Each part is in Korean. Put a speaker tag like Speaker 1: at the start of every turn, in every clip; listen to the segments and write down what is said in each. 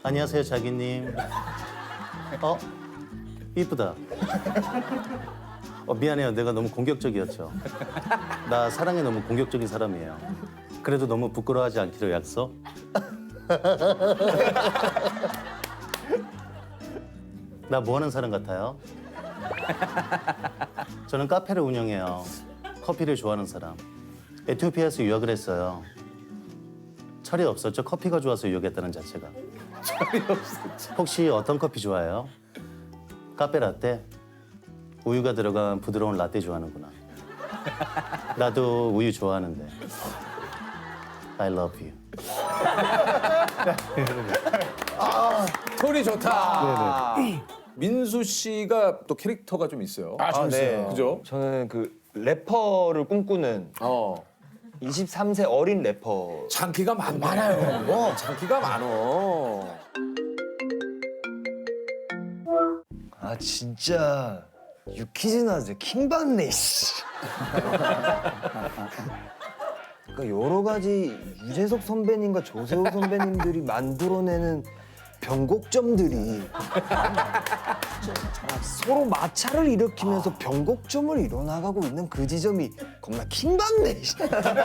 Speaker 1: 안녕하세요, 자기님. 이쁘다. 미안해요. 내가 너무 공격적이었죠. 나 사랑에 너무 공격적인 사람이에요. 그래도 너무 부끄러워하지 않기로 약속. 나 뭐 하는 사람 같아요? 저는 카페를 운영해요. 커피를 좋아하는 사람. 에티오피아에서 유학을 했어요. 철이 없었죠. 커피가 좋아서 유학했다는 자체가.
Speaker 2: 철이 없었죠.
Speaker 1: 혹시 어떤 커피 좋아해요? 카페 라떼? 우유가 들어간 부드러운 라떼 좋아하는구나. 나도 우유 좋아하는데. I love you.
Speaker 2: 톤이 좋다. 민수 씨가 또 캐릭터가 좀 있어요.
Speaker 3: 좀 있어요.
Speaker 2: 그죠?
Speaker 4: 저는 그 래퍼를 꿈꾸는 23세 어린 래퍼.
Speaker 2: 장기가 많아요. 장기가 많어.
Speaker 4: 아 진짜 유키즈나즈 킹받네 씨. 그러니까 여러 가지 유재석 선배님과 조세호 선배님들이 만들어내는 변곡점들이 서로 마찰을 일으키면서 변곡점을 이뤄나가고 있는 그 지점이 겁나 킹받네 씨.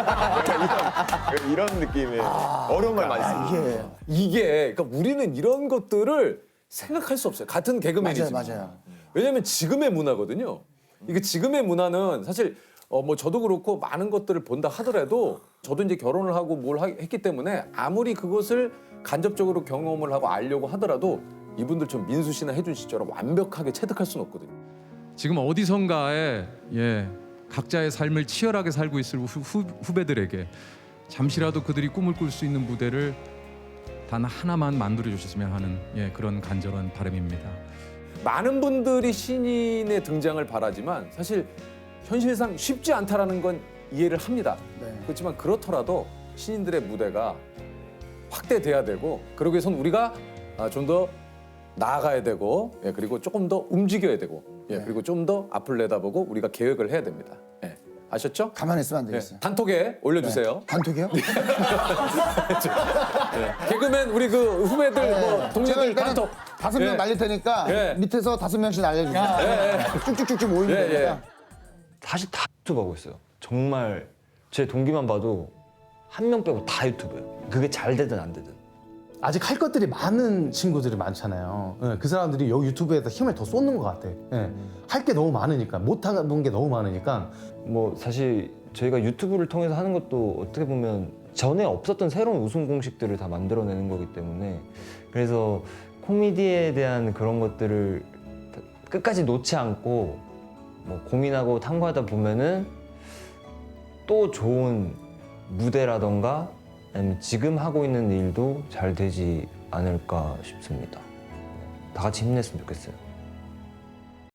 Speaker 4: 이런 느낌이에요. 어려운 말 많이 써요.
Speaker 2: 이게 그러니까 우리는 이런 것들을 생각할 수 없어요. 같은 개그맨이지만.
Speaker 3: 맞아요.
Speaker 2: 왜냐하면 지금의 문화거든요. 이게 지금의 문화는 사실 뭐 저도 그렇고 많은 것들을 본다 하더라도 저도 이제 결혼을 하고 했기 때문에 아무리 그것을 간접적으로 경험을 하고 알려고 하더라도 이분들처럼 민수 씨나 혜준 씨처럼 완벽하게 체득할 수는 없거든요.
Speaker 5: 지금 어디선가에 각자의 삶을 치열하게 살고 있을 후배들에게 잠시라도 그들이 꿈을 꿀 수 있는 무대를 단 하나만 만들어 주셨으면 하는 그런 간절한 바람입니다.
Speaker 2: 많은 분들이 신인의 등장을 바라지만 사실 현실상 쉽지 않다라는 건 이해를 합니다. 그렇지만 그렇더라도 신인들의 무대가 확대돼야 되고 그러기 위해선 우리가 좀 더 나아가야 되고 그리고 조금 더 움직여야 되고 그리고 좀 더 앞을 내다보고 우리가 계획을 해야 됩니다. 아셨죠?
Speaker 3: 가만히 있으면 안 되겠어요.
Speaker 2: 단톡에 올려주세요.
Speaker 3: 단톡이요?
Speaker 2: 개그맨 우리 그 후배들 뭐
Speaker 3: 제가
Speaker 2: 동료들
Speaker 3: 일단은
Speaker 2: 단톡
Speaker 3: 5명 날릴 테니까 밑에서 5명씩 날려주세요. 쭉쭉쭉쭉 모이면 되니까.
Speaker 4: 사실 다 유튜브 하고 있어요. 정말 제 동기만 봐도 한 명 빼고 다 유튜브예요. 그게 잘 되든 안 되든.
Speaker 6: 아직 할 것들이 많은 친구들이 많잖아요. 그 사람들이 여기 유튜브에다 힘을 더 쏟는 것 같아. 할 게 너무 많으니까, 못하는 게 너무 많으니까.
Speaker 4: 뭐 사실 저희가 유튜브를 통해서 하는 것도 어떻게 보면 전에 없었던 새로운 웃음 공식들을 다 만들어내는 거기 때문에 그래서 코미디에 대한 그런 것들을 끝까지 놓지 않고 뭐 고민하고 탐구하다 보면은 또 좋은 무대라던가 아니면 지금 하고 있는 일도 잘 되지 않을까 싶습니다. 다 같이 힘냈으면 좋겠어요.